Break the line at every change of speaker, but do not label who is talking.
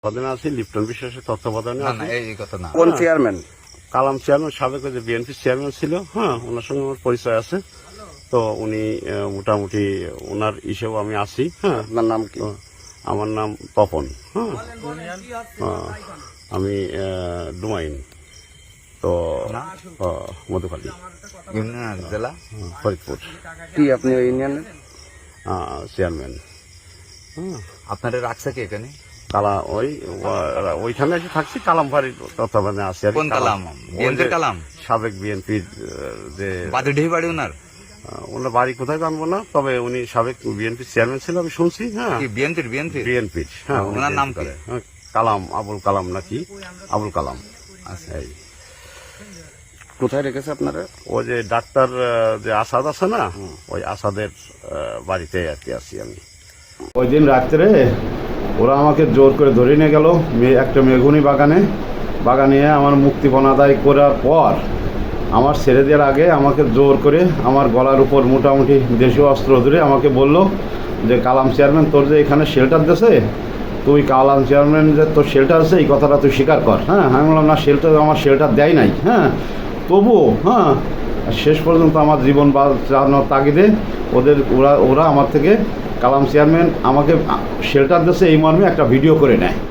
পদে আছি, লিপ্টন বিশ্বাসের তত্ত্বাবধানে আছি।
এই কথা না।
কোন চেয়ারম্যান?
কালাম চেয়ারম্যান, সাবেক যে বিএনপি চেয়ারম্যান ছিল, হ্যাঁ, ওনার সঙ্গে আমার পরিচয় আছে। তো উনি মোটামুটি ওনার হিসেবে আমি আছি। হ্যাঁ,
আপনার নাম কি?
তো আমার নাম তপন। হ্যাঁ, আমি ডুমাইন, তো মধুখালী,
ইউনিয়ন জেলা
ফরিদপুর
কি আপনি ওই ইউনিয়নের?
চেয়ারম্যান। হ্যাঁ,
আপনারা রাখছে কি এখানে?
ওইখানে এসে থাকছি, কালাম বাড়ির তত্ত্বাবধানে আছি।
কোন কালাম? বিএনপির কালাম?
সাবেক বিএনপির যে
বাদুডি বাড়ি ওনার?
ওনার বাড়ি কোথায় জানবো না, তবে উনি সাবেক বিএনপির চেয়ারম্যান ছিল, আমি শুনছি। হ্যাঁ,
কি বিএনপির?
বিএনপির, হ্যাঁ।
ওনার নাম কি?
কালাম, আবুল কালাম নাকি আবুল কালাম।
আচ্ছা,
এই
কোথায় রেখেছে আপনারা?
ও যে ডাক্তার যে আসাদ আছে না, ওই আসাদের বাড়িতে আর কি আছি আমি। ওই দিন রাত্রে ওরা আমাকে জোর করে ধরে নিয়ে গেল একটা মেঘুনি বাগানে আমার মুক্তিপণ আদায় করার পর আমার ছেড়ে দেওয়ার আগে আমাকে জোর করে আমার গলার উপর মোটামুটি দেশীয় অস্ত্র ধরে আমাকে বলল যে কালাম চেয়ারম্যান তোর যে এখানে শেল্টার দিয়েছে, তুই কালাম চেয়ারম্যান যে তোর শেল্টার আছে এই কথাটা তুই স্বীকার কর। হ্যাঁ, আমি বললাম না, আমার শেল্টার দেয় নাই। হ্যাঁ, তবুও হ্যাঁ, শেষ পর্যন্ত আমার জীবন বাঁচানোর তাগিদে ওরা আমার থেকে কালাম চেয়ারম্যান আমাকে শেল্টার দিয়েছে এই মর্মে একটা ভিডিও করে নেয়।